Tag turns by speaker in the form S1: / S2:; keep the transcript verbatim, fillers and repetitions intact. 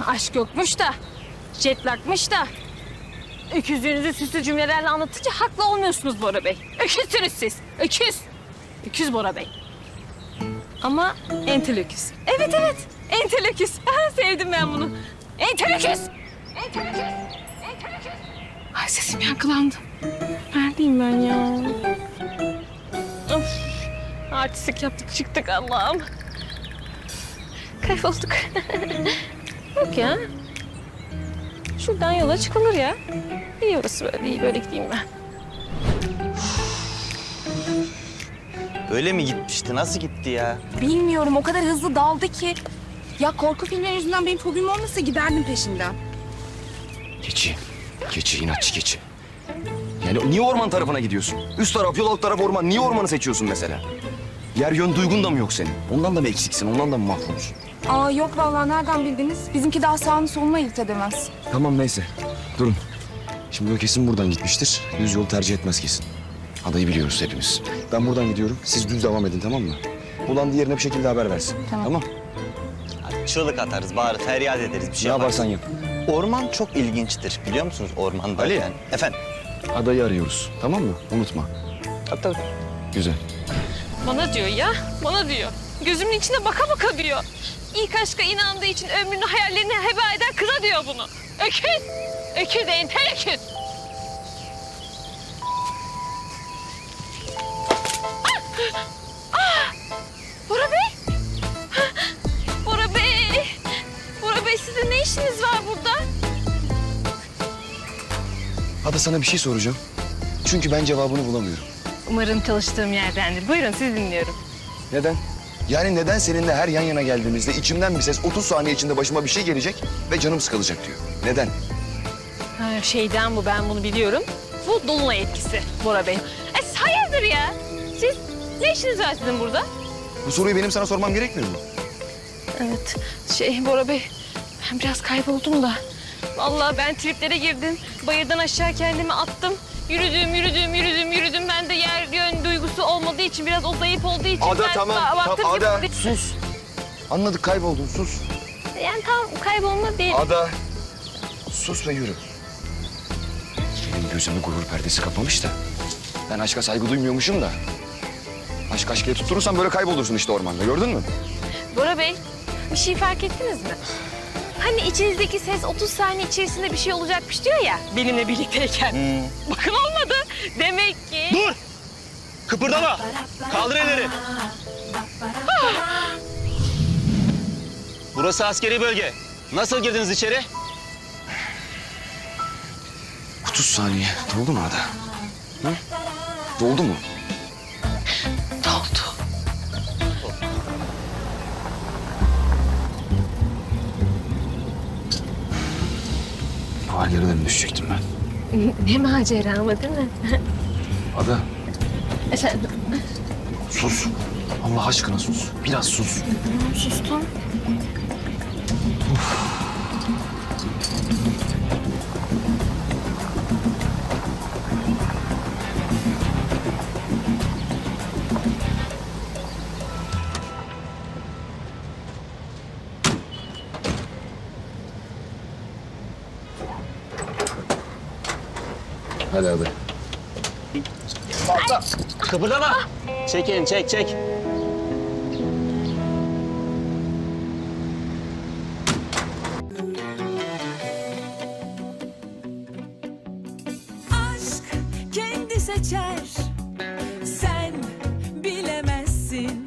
S1: aşk yokmuş da, jetlakmış da. Öküzlüğünüzü süslü cümlelerle anlatınca haklı olmuyorsunuz Bora Bey. Öküzsünüz siz, öküz. Öküz Bora Bey. Ama entel öküz. Evet evet, entel öküz. Sevdim ben bunu. Entel öküz. Entel öküz. Entel öküz. Ay sesim yankılandı. Neredeyim ben ya? Of. Artistlik yaptık çıktık Allah'ım. Kaybolduk. Yok ya. Şuradan yola çıkılır ya. İyi orası böyle, iyi böyle gideyim ben.
S2: Öyle mi gitmişti? Nasıl gitti ya?
S3: Bilmiyorum, o kadar hızlı daldı ki. Ya korku filmleri yüzünden benim fobim olmasa giderdim peşinden.
S4: Keçi. Keçi, inatçı keçi. Yani niye orman tarafına gidiyorsun? Üst taraf yol, alt taraf orman. Niye ormanı seçiyorsun mesela? Yer yön duygun da mı yok senin? Ondan da mı eksiksin? Ondan da mı mahvolsun?
S3: Aa yok vallahi, nereden bildiniz? Bizimki daha sağını solunu ayırt edemez.
S4: Tamam neyse. Durun. Şimdi o kesin buradan gitmiştir. Düz yol tercih etmez kesin. Adayı biliyoruz hepimiz. Ben buradan gidiyorum. Siz düz devam edin, tamam mı? Bulan diğerine bir şekilde haber versin.
S3: Tamam.
S4: Tamam.
S2: Hadi çığlık atarız, bağırır, feryat ederiz bir şey
S4: Ne
S2: yaparız.
S4: yaparsan yap.
S2: Orman çok ilginçtir biliyor musunuz ormanda?
S4: Ali.
S2: Yani. Efendim?
S4: Adayı arıyoruz. Tamam mı? Unutma.
S2: Tabii tabii.
S4: Güzel.
S1: Bana diyor ya, bana diyor. Gözümün içine baka baka diyor. İlk aşka inandığı için ömrünü hayallerini heba eden kıza diyor bunu. Öküz, öküz, entel öküz. Ah! Ah! Bora Bey! Bora Bey! Bora Bey, sizin ne işiniz var burada?
S4: Ada sana bir şey soracağım. Çünkü ben cevabını bulamıyorum.
S1: Umarım çalıştığım yerdendir. Buyurun, sizi dinliyorum.
S4: Neden? Yani neden seninle her yan yana geldiğimizde içimden bir ses otuz saniye içinde başıma bir şey gelecek ve canım sıkılacak diyor. Neden?
S1: Ha, şeyden bu, ben bunu biliyorum. Bu dolunay etkisi Bora Bey. E, siz hayırdır ya? Siz, ne işiniz var sizin burada?
S4: Bu soruyu benim sana sormam gerekmiyor mu?
S1: Evet, şey Bora Bey, ben biraz kayboldum da. Vallahi ben triplere girdim. Bayırdan aşağı kendimi attım. Yürüdüm, yürüdüm, yürüdüm, yürüdüm. Ben de yer yön duygusu olmadığı için, biraz o zayıf olduğu için...
S4: Ada
S1: ben
S4: tamam,
S1: ba- baktım
S4: tamam
S1: ki-
S4: Ada sus. Anladık, kayboldun, sus.
S1: Yani tam kaybolma değil.
S4: Ada sus ve yürü. Benim gözümü gurur perdesi kapamış da. Ben aşka saygı duymuyormuşum da. Aşk aşkıya tutturursan böyle kaybolursun işte ormanda, gördün mü?
S1: Bora Bey, bir şey fark ettiniz mi? Hani içinizdeki ses otuz saniye içerisinde bir şey olacakmış diyor ya, benimle birlikteyken.
S2: Hmm.
S1: Bakın olmadı. Demek ki...
S2: Dur! Kıpırdama! Kaldır elleri! Burası askeri bölge. Nasıl girdiniz içeri?
S4: otuz saniye. Doldu mu Ada? Hı? Doldu mu?
S1: Doldu.
S4: Var yarıdan düşecektim ben.
S1: Ne macera ama değil mi?
S4: Ada
S1: Efendim?
S4: sus. Allah aşkına sus. Biraz sus.
S1: Sustum.
S4: Hadi Ada.
S2: Kıpırdama! Çekin, çek, çek.
S5: Aşk kendi seçer